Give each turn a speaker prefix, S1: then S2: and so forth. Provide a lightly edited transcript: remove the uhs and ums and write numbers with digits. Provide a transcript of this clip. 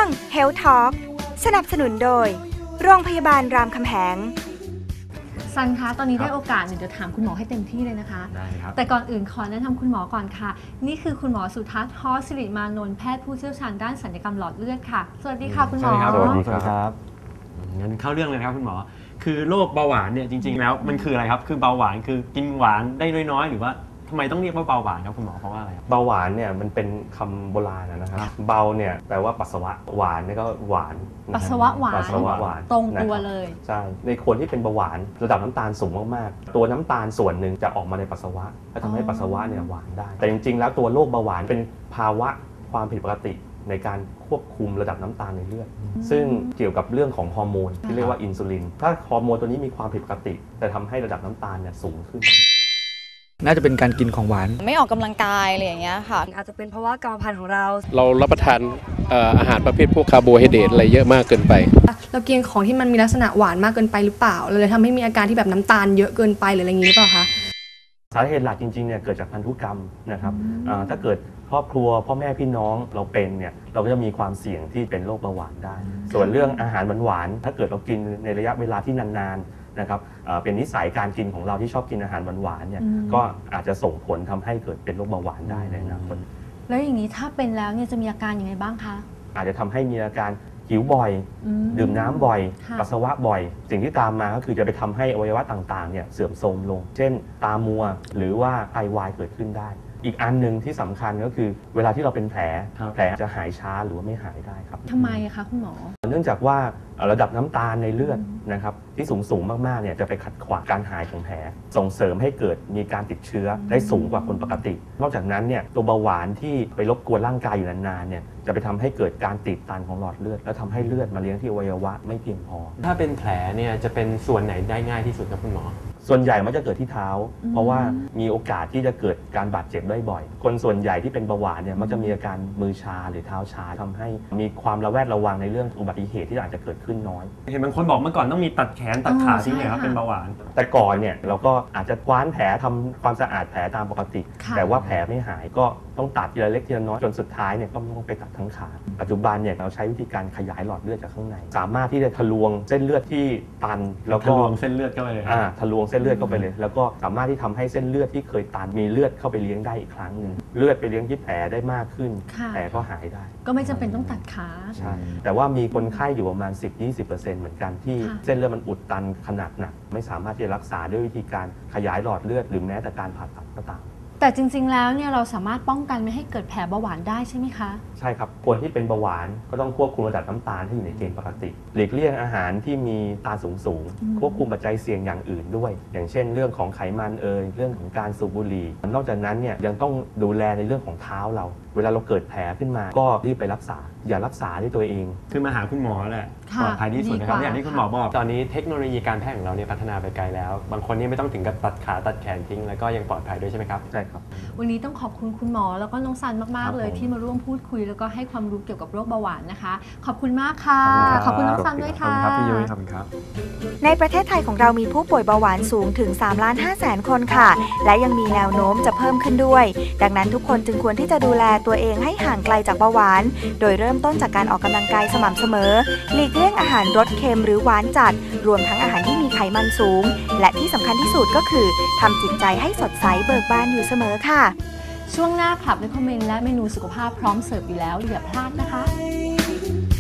S1: Health Talk สนับสนุนโดยโรงพยาบาลรามคำแหง
S2: ซันคะตอนนี้ได้โอกาสเดี๋ยวถามคุณหมอให้เต็มที่เลยนะคะ
S3: ได้ครับ
S2: แต่ก่อนอื่นขอแนะนำคุณหมอก่อนค่ะนี่คือคุณหมอสุทัศน์ ฮอสิริมานนท์แพทย์ผู้เชี่ยวชาญด้านศัลยกรรมหลอดเลือดค่ะสวัสดีค่ะคุณหมอ
S3: สวัสดีครับงั้นเข้าเรื่องเลยครับคุณหมอคือโรคเบาหวานเนี่ยจริงๆแล้วมันคืออะไรครับคือเบาหวานคือกินหวานได้น้อยๆหรือว่าทำไมต้องเรียกว่าเบาหวานครับคุณหมอเพราะว่าอะไร
S4: เบาหวานเนี่ยมันเป็นคำโบราณนะครับเบาเนี่ยแปลว่าปัสสาวะหวานนี่ก็หวาน
S2: ปัสสาวะหวานตรงตัวเลย
S4: ใช่ในคนที่เป็นเบาหวานระดับน้ำตาลสูงมากๆตัวน้ำตาลส่วนหนึ่งจะออกมาในปัสสาวะและทำให้ปัสสาวะเนี่ยหวานได้แต่จริงๆแล้วตัวโรคเบาหวานเป็นภาวะความผิดปกติในการควบคุมระดับน้ำตาลในเลือดซึ่งเกี่ยวกับเรื่องของฮอร์โมนที่เรียกว่าอินซูลินถ้าฮอร์โมนตัวนี้มีความผิดปกติจะทำให้ระดับน้ำตาลเนี่ยสูงขึ้น
S5: น่าจะเป็นการกินของหวาน
S6: ไม่ออกกำลังกายอะไรอย่างเงี้ยค่ะ
S7: อาจจะเป็นเพราะว่ากรรมพันธุ์ของเรา
S8: รับประทานอาหารประเภทพวกคาร์โบไฮเดรตอะไรเยอะมากเกินไป
S7: เรากินของที่มันมีลักษณะหวานมากเกินไปหรือเปล่าเลยทำให้มีอาการที่แบบน้ำตาลเยอะเกินไปหรืออะไรอย่างนี้หรือเปล่าคะ
S4: สาเหตุหลักจริงๆเนี่ยเกิดจากพันธุกรรมนะครับถ้าเกิดครอบครัวพ่อแม่พี่น้องเราเป็นเนี่ยเราก็จะมีความเสี่ยงที่เป็นโรคเบาหวานได้ส่วนเรื่องอาหารหวานๆถ้าเกิดเรากินในระยะเวลาที่นานๆนะครับเป็นนิสัยการกินของเราที่ชอบกินอาหารหวานๆเนี่ยก็อาจจะส่งผลทำให้เกิดเป็นโรคเบาหวานได้ในอนาคต
S2: แล้วอย่างนี้ถ้าเป็นแล้วเนี่ยจะมีอาการยังไงบ้างคะ
S4: อาจจะทำให้มีอาการหิวบ่อยดื่มน้ำบ่อยปัสสาวะบ่อยสิ่งที่ตามมาก็คือจะไปทำให้อวัยวะต่างๆเนี่ยเสื่อมโทรมลงเช่นตามัวหรือว่าไตวายเกิดขึ้นได้อีกอันหนึ่งที่สำคัญก็คือเวลาที่เราเป็นแผลจะหายช้าหรือว่าไม่หายได้ครับ
S2: ทำไมคะคุณหมอ
S4: เนื่องจากว่าระดับน้ำตาลในเลือดนะครับที่สูงมากๆเนี่ยจะไปขัดขวางการหายของแผลส่งเสริมให้เกิดมีการติดเชื้อได้สูงกว่าคนปกตินอกจากนั้นเนี่ยตัวเบาหวานที่ไปรบกวนร่างกายอยู่นานๆเนี่ยจะไปทำให้เกิดการตีบตันของหลอดเลือดแล้วทำให้เลือดมาเลี้ยงที่อวัยวะไม่เพียงพอ
S3: ถ้าเป็นแผลเนี่ยจะเป็นส่วนไหนได้ง่ายที่สุดครับคุณหมอ
S4: ส่วนใหญ่มันจะเกิดที่เท้าเพราะว่ามีโอกาสที่จะเกิดการบาดเจ็บได้บ่อยคนส่วนใหญ่ที่เป็นเบาหวานเนี่ยมักจะมีอาการมือชาหรือเท้าชาทำให้มีความระแวดระวังในเรื่องอุบัติเหตุที่อาจจะเกิดขึ้นน้อย
S3: เห็นบางคนบอกเมื่อก่อนต้องมีตัดแขนตัดขาที่เนี่ยครับเป็นเบาหวาน
S4: แต่ก่อนเนี่ยเราก็อาจจะคว้านแผลทำความสะอาดแผลตามปกติแต่ว่าแผลไม่หายก็ต้องตัดทีละเล็กทีละน้อยจนสุดท้ายเนี่ยก็ต้องไปตัดทั้งขาปัจจุบันเนี่ยเราใช้วิธีการขยายหลอดเลือดจากข้างในสามารถที่จะทะลวงเส้นเลือดที่ตันแล้วก็
S3: ทะลวงเส้นเลือดเข้าไปเลย
S4: ทะลวงเส้นเลือดเข้าไปเลยแล้วก็สามารถที่ทำให้เส้นเลือดที่เคยตันมีเลือดเข้าไปเลี้ยงได้อีกครั้งนึงเลือดไปเลี้ยงที่แผลได้มากขึ้นแผลก็หายได้
S2: ก็ไม่จำเป็นต้องตัดขา
S4: ใช่แต่ว่ามีคนไข้อยู่ประมาณ 10-20% เหมือนกันที่เส้นเลือดมันอุดตันขนาดหนักไม่สามารถที่จะรักษาด้วยวิธีการขยายหลอดเลือดหรือแม้แต่การผ่าตัดก็ตาม
S2: แต่จริงๆแล้วเนี่ยเราสามารถป้องกันไม่ให้เกิดแผลเบาหวานได้ใช่ไหมคะ
S4: ใช่ครับคนที่เป็นเบาหวานก็ต้องควบคุมระดับน้ำตาลให้อยู่ในเกณฑ์ปกติหลีกเลี่ยงอาหารที่มีตาลสูงควบคุมปัจจัยเสี่ยงอย่างอื่นด้วยอย่างเช่นเรื่องของไขมันเรื่องของการสูบบุหรี่นอกจากนั้นเนี่ยยังต้องดูแลในเรื่องของเท้าเราเวลาเราเกิดแผลขึ้นมาก็รีบไปรักษาอย่ารักษาด้วยตัวเอง
S3: คือมาหาคุณหมอแหละปลอดภัยที่สุดนะครับอย่างที่คุณหมอบอกตอนนี้เทคโนโลยีการแพทย์ของเราเนี่ยพัฒนาไปไกลแล้วบางคนนี่ไม่ต้องถึงกับตัดขาตัดแขนทิ้งแล้วก็ยังปลอดภัยด้วยใช่ไหมครับ
S4: ใช่ครับ
S2: วันนี้ต้องขอบคุณคุณหมอแล้วก็น้องซันมากๆเลยที่มาร่วมพูดคุยแล้วก็ให้ความรู้เกี่ยวกับโรคเบาหวานนะคะขอบคุณมากค่ะขอบคุณน้องซันด้วยค่ะ
S3: ขอบคุณครับพี่ยุ้ยขอบคุณครับ
S1: ในประเทศไทยของเรามีผู้ป่วยเบาหวานสูงถึง 3,500,000 คนค่ะและยังมีแนวโน้มจะเพิ่มขึ้นด้วยดังนั้นทุกคนจึงควรที่จะดูแลตัวเองให้ห่างไกลจากเบาหวานโดยเริ่มต้นจากการออกกำลังกายสม่ำเสมอหลีกเลี่ยงอาหารรสเค็มหรือหวานจัดรวมทั้งอาหารที่มีไขมันสูงและที่สำคัญที่สุดก็คือทำจิตใจให้สดใสเบิกบานอยู่เสมอค่ะ
S2: ช่วงหน้าคลับ Recommend และเมนูสุขภาพพร้อมเสิร์ฟอยู่แล้วอย่าพลาดนะคะ